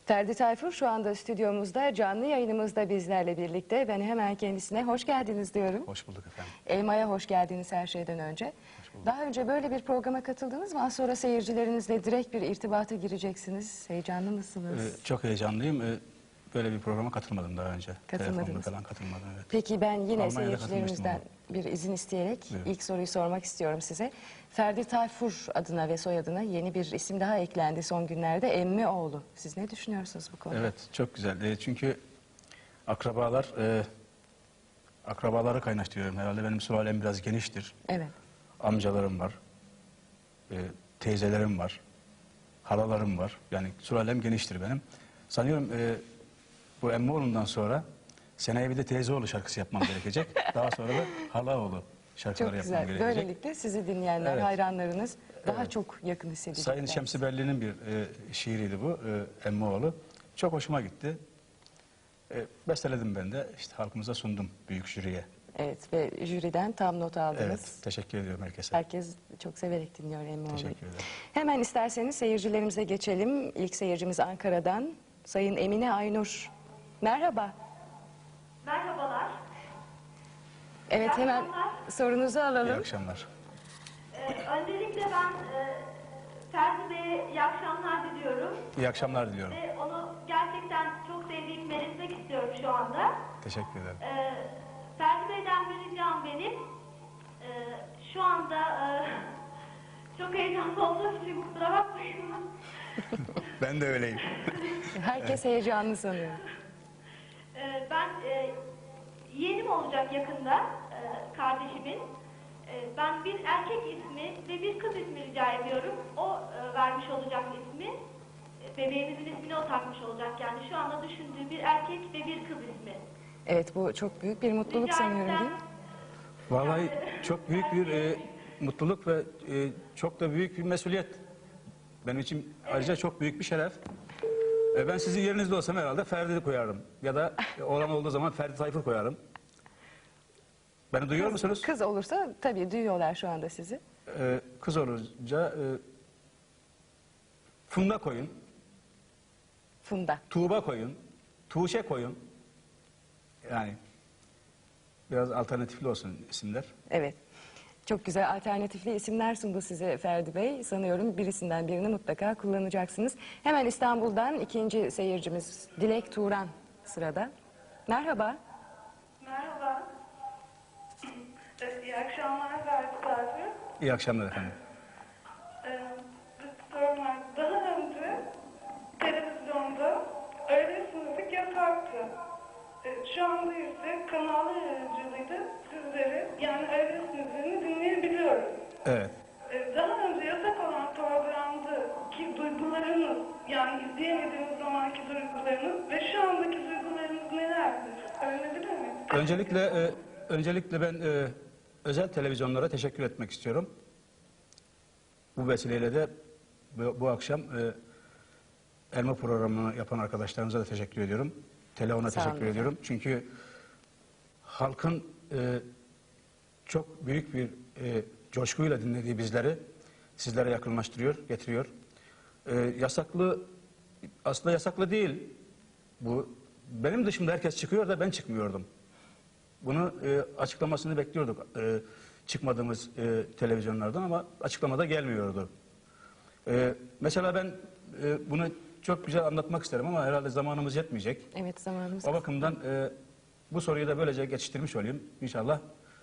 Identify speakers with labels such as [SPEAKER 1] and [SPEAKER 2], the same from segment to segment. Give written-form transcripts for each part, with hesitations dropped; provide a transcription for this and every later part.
[SPEAKER 1] Ferdi Tayfur şu anda stüdyomuzda, canlı yayınımızda bizlerle birlikte. Ben hemen kendisine hoş geldiniz diyorum.
[SPEAKER 2] Hoş bulduk efendim.
[SPEAKER 1] Elma'ya hoş geldiniz her şeyden önce. Daha önce böyle bir programa katıldınız mı? Az sonra seyircilerinizle direkt bir irtibata gireceksiniz. Heyecanlı mısınız?
[SPEAKER 2] Çok heyecanlıyım. Böyle bir programa katılmadım daha önce.
[SPEAKER 1] Katılmadınız.
[SPEAKER 2] Telefonla falan katılmadım, evet.
[SPEAKER 1] Peki ben yine
[SPEAKER 2] Almanya'da
[SPEAKER 1] seyircilerimizden bir izin isteyerek ilk soruyu sormak istiyorum size. Ferdi Tayfur adına ve soyadına yeni bir isim daha eklendi son günlerde. Emmioğlu. Siz ne düşünüyorsunuz bu konuda?
[SPEAKER 2] Evet, çok güzel. Çünkü akrabaları kaynaştırıyorum. Herhalde benim sülalem biraz geniştir.
[SPEAKER 1] Evet.
[SPEAKER 2] Amcalarım var, teyzelerim var, halalarım var. Yani sülalem geniştir benim. Sanıyorum bu Emmioğlu'ndan sonra seneye bir de teyzeoğlu şarkısı yapmam gerekecek. Daha sonra da halaoğlu şarkıları
[SPEAKER 1] Çok
[SPEAKER 2] yapmam
[SPEAKER 1] güzel.
[SPEAKER 2] gerekecek.
[SPEAKER 1] Böylelikle sizi dinleyenler,
[SPEAKER 2] Evet.
[SPEAKER 1] hayranlarınız daha çok yakın hissedecekler.
[SPEAKER 2] Sayın Şemsi Belli'nin bir şiiriydi bu, Emmioğlu. Çok hoşuma gitti. Besteledim ben de, işte halkımıza sundum, büyük jüriye.
[SPEAKER 1] Evet ve jüriden tam not aldınız.
[SPEAKER 2] Evet, teşekkür ediyorum herkese.
[SPEAKER 1] Herkes çok severek dinliyor Emmioğlu'yu.
[SPEAKER 2] Teşekkür ederim.
[SPEAKER 1] Hemen isterseniz seyircilerimize geçelim. İlk seyircimiz Ankara'dan. Sayın Emine Aynur. Merhaba.
[SPEAKER 3] Merhabalar.
[SPEAKER 1] Evet,
[SPEAKER 3] İyi
[SPEAKER 1] hemen
[SPEAKER 3] akşamlar.
[SPEAKER 1] sorunuzu
[SPEAKER 2] İyi
[SPEAKER 1] alalım.
[SPEAKER 2] akşamlar.
[SPEAKER 3] Öncelikle ben Ferdi Bey'e iyi akşamlar diliyorum.
[SPEAKER 2] İyi akşamlar diliyorum.
[SPEAKER 3] Ve onu gerçekten çok sevdiğimi belirtmek istiyorum şu anda.
[SPEAKER 2] Teşekkür ederim.
[SPEAKER 3] Ferdi Bey'den bir ricam benim. Şu anda çok heyecanlı olduğum için kusura bakmayın.
[SPEAKER 2] Ben de öyleyim.
[SPEAKER 1] Herkes heyecanlı sanıyor.
[SPEAKER 3] Ben yeğenim olacak yakında kardeşimin. Ben bir erkek ismi ve bir kız ismi rica ediyorum. O vermiş olacak ismi. Bebeğimizin ismini o takmış olacak. Yani şu anda düşündüğü bir erkek ve bir kız ismi.
[SPEAKER 1] Evet, bu çok büyük bir mutluluk
[SPEAKER 3] Rica
[SPEAKER 1] sanıyorum
[SPEAKER 3] etsem,
[SPEAKER 1] değil mi?
[SPEAKER 2] Vallahi çok büyük bir mutluluk ve çok da büyük bir mesuliyet. Benim için ayrıca çok büyük bir şeref. Ben sizin yerinizde olsam herhalde Ferdi koyarım. Ya da oğlan olduğu zaman Ferdi Tayfur koyarım. Beni duyuyor musunuz?
[SPEAKER 1] Kız olursa tabii duyuyorlar şu anda sizi.
[SPEAKER 2] Kız olunca Funda koyun,
[SPEAKER 1] Funda.
[SPEAKER 2] Tuğba koyun, Tuğçe koyun. Yani biraz alternatifli olsun isimler.
[SPEAKER 1] Evet. Çok güzel alternatifli isimler sundu size Ferdi Bey. Sanıyorum birisinden birini mutlaka kullanacaksınız. Hemen İstanbul'dan ikinci seyircimiz Dilek Turan sırada. Merhaba.
[SPEAKER 3] Merhaba. İyi akşamlar Ferdi Tayfur.
[SPEAKER 2] İyi akşamlar efendim.
[SPEAKER 3] Sorum var. Daha önce televizyonda öğle sınıfı yasaktı. Şu anda ise kanallar aracılığıyla sizleri yani öğle sınıflarını dinleyebiliyoruz.
[SPEAKER 2] Evet.
[SPEAKER 3] Daha önce yasak olan programdaki duygularınız yani izleyemediğiniz zamanki duygularınız ve şu andaki duygularınız nelerdir? Öğrenebilir miyim?
[SPEAKER 2] Öncelikle ben özel televizyonlara teşekkür etmek istiyorum. Bu vesileyle de bu akşam Elma programını yapan arkadaşlarımıza da teşekkür ediyorum. Telefon'a
[SPEAKER 1] Sağ olun
[SPEAKER 2] teşekkür ediyorum. Çünkü halkın çok büyük bir coşkuyla dinlediği bizleri sizlere yakınlaştırıyor, getiriyor. Aslında yasaklı değil. Bu benim dışımda herkes çıkıyor da ben çıkmıyordum. Bunu açıklamasını bekliyorduk çıkmadığımız televizyonlardan ama açıklamada gelmiyordu. Mesela ben bunu çok güzel anlatmak isterim ama herhalde zamanımız yetmeyecek.
[SPEAKER 1] Evet, zamanımız.
[SPEAKER 2] O bakımdan bu soruyu da böylece geçiştirmiş olayım. İnşallah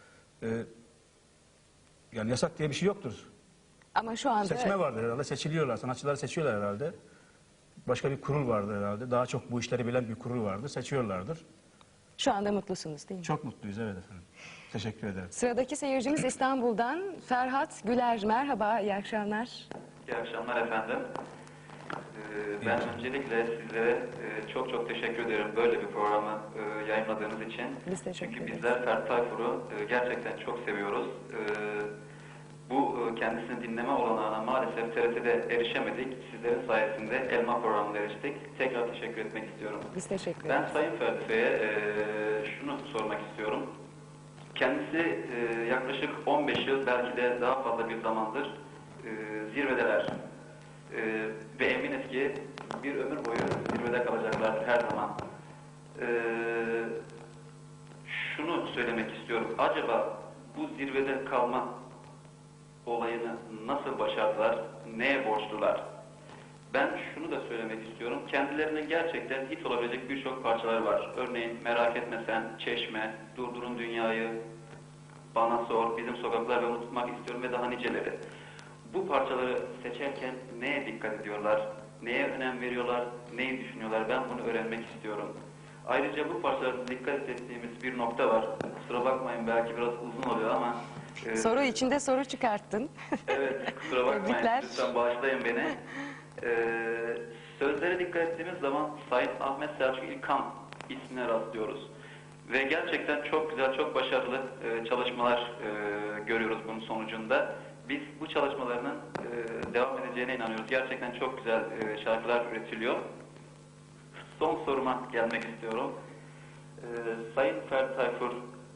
[SPEAKER 2] yani yasak diye bir şey yoktur.
[SPEAKER 1] Ama şu anda
[SPEAKER 2] Seçme vardır herhalde. Seçiliyorlar. Sanatçıları seçiyorlar herhalde. Başka bir kurul vardır herhalde. Daha çok bu işleri bilen bir kurul vardır. Seçiyorlardır.
[SPEAKER 1] şu anda mutlusunuz değil mi?
[SPEAKER 2] Çok mutluyuz, evet efendim. Teşekkür ederim.
[SPEAKER 1] Sıradaki seyircimiz İstanbul'dan Ferhat Güler. Merhaba, iyi akşamlar.
[SPEAKER 4] İyi akşamlar efendim. Ben öncelikle sizlere çok teşekkür ederim böyle bir programı yayınladığınız için.
[SPEAKER 1] Biz teşekkür
[SPEAKER 4] Çünkü
[SPEAKER 1] ederiz.
[SPEAKER 4] bizler Ferdi Tayfur'u gerçekten çok seviyoruz. Bu kendisini dinleme olanağına maalesef TRT'de erişemedik. Sizlerin sayesinde Elma programına eriştik. Tekrar teşekkür etmek istiyorum.
[SPEAKER 1] Biz teşekkür
[SPEAKER 4] Ben
[SPEAKER 1] ederiz.
[SPEAKER 4] Sayın Ferdi Bey'e şunu sormak istiyorum. Kendisi yaklaşık 15 yıl belki de daha fazla bir zamandır zirvedeler. Ve eminiz ki bir ömür boyu zirvede kalacaklardır her zaman. Şunu söylemek istiyorum. Acaba bu zirvede kalma olayını nasıl başardılar? Neye borçlular? Ben şunu da söylemek istiyorum. Kendilerinin gerçekten hit olabilecek birçok parçaları var. Örneğin Merak Etme Sen, Çeşme, Durdurun Dünyayı, Bana Sor, Bizim Sokaklar ve Unutmak İstiyorum ve daha niceleri. Bu parçaları seçerken neye dikkat ediyorlar? Neye önem veriyorlar? Neyi düşünüyorlar? Ben bunu öğrenmek istiyorum. Ayrıca bu parçalarda dikkat ettiğimiz bir nokta var. Kusura bakmayın, belki biraz uzun oluyor ama...
[SPEAKER 1] Soru içinde soru çıkarttın.
[SPEAKER 4] Evet, kusura bakmayın.
[SPEAKER 1] Tebrikler.
[SPEAKER 4] Lütfen bağışlayın beni. Sözlere dikkat ettiğimiz zaman Sayın Ahmet Selçuk İlkan ismine rastlıyoruz. Ve gerçekten çok güzel, çok başarılı çalışmalar görüyoruz bunun sonucunda. Biz bu çalışmalarının devam edeceğine inanıyoruz. Gerçekten çok güzel şarkılar üretiliyor. Son soruma gelmek istiyorum. Sayın Ferdi Tayfur,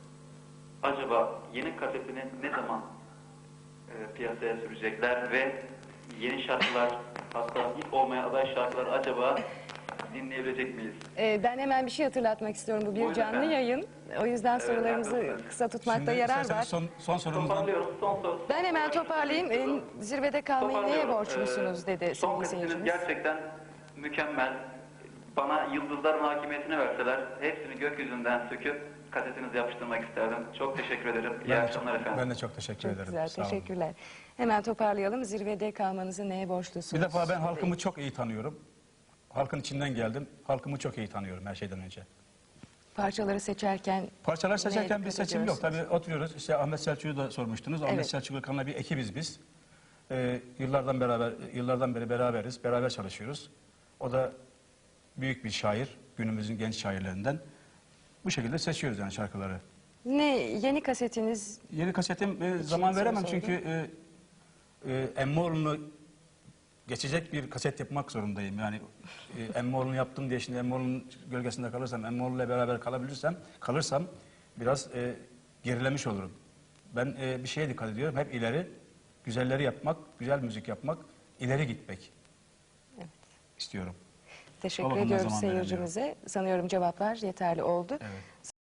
[SPEAKER 4] acaba yeni kasetini ne zaman piyasaya sürecekler ve yeni şarkılar, hatta hit olmaya aday şarkılar acaba dinleyebilecek miyiz?
[SPEAKER 1] Ben hemen bir şey hatırlatmak istiyorum. Bu bir
[SPEAKER 4] Buyurun
[SPEAKER 1] canlı
[SPEAKER 4] efendim.
[SPEAKER 1] yayın. O yüzden sorularımızı
[SPEAKER 4] haklısınız.
[SPEAKER 1] kısa tutmakta
[SPEAKER 2] Şimdi
[SPEAKER 1] yarar
[SPEAKER 2] isterseniz
[SPEAKER 1] var.
[SPEAKER 2] son sorumuzdan
[SPEAKER 4] Toparlıyorum. Son
[SPEAKER 1] Ben hemen toparlayayım. Zirvede kalmayı neye borçlusunuz dedi
[SPEAKER 4] Son
[SPEAKER 1] sevgili
[SPEAKER 4] kasetiniz
[SPEAKER 1] seyircimiz.
[SPEAKER 4] gerçekten mükemmel. Bana yıldızların hakimiyetini verseler hepsini gökyüzünden söküp kasetinize yapıştırmak isterdim. Çok teşekkür ederim. İyi akşamlar efendim.
[SPEAKER 2] Ben de çok teşekkür
[SPEAKER 1] Çok
[SPEAKER 2] ederim.
[SPEAKER 1] güzel,
[SPEAKER 2] Sağ olun.
[SPEAKER 1] teşekkürler. Hemen toparlayalım. Zirvede kalmanızı neye borçlusunuz?
[SPEAKER 2] Bir defa ben halkımı çok iyi tanıyorum. Halkın içinden geldim. Halkımı çok iyi tanıyorum her şeyden önce.
[SPEAKER 1] Parçaları seçerken
[SPEAKER 2] Parçalar seçerken
[SPEAKER 1] neye
[SPEAKER 2] bir
[SPEAKER 1] dikkat
[SPEAKER 2] seçim yok.
[SPEAKER 1] ediyorsunuz?
[SPEAKER 2] Tabii oturuyoruz. İşte Ahmet Selçuk'u da sormuştunuz. Ahmet
[SPEAKER 1] Evet.
[SPEAKER 2] Selçuk İlkan'la bir ekibiz biz. Yıllardan beri beraberiz. Beraber çalışıyoruz. O da büyük bir şair. Günümüzün genç şairlerinden. Bu şekilde seçiyoruz yani şarkıları.
[SPEAKER 1] Ne yeni kasetiniz?
[SPEAKER 2] Yeni kasetim zaman
[SPEAKER 1] soru
[SPEAKER 2] veremem
[SPEAKER 1] sordum.
[SPEAKER 2] çünkü Emmoğlu'nu geçecek bir kaset yapmak zorundayım. Yani Emmoğlu'nu yaptım diye şimdi Emmoğlu'nun gölgesinde kalırsam, Emmoğlu'yla beraber kalırsam biraz gerilemiş olurum. Ben bir şeye dikkat ediyorum. Hep ileri, güzelleri yapmak, güzel müzik yapmak, ileri gitmek istiyorum. O
[SPEAKER 1] Teşekkür
[SPEAKER 2] bakımdan
[SPEAKER 1] ediyoruz
[SPEAKER 2] zaman veremiyorum.
[SPEAKER 1] seyircimize. Sanıyorum cevaplar yeterli oldu.
[SPEAKER 2] Evet.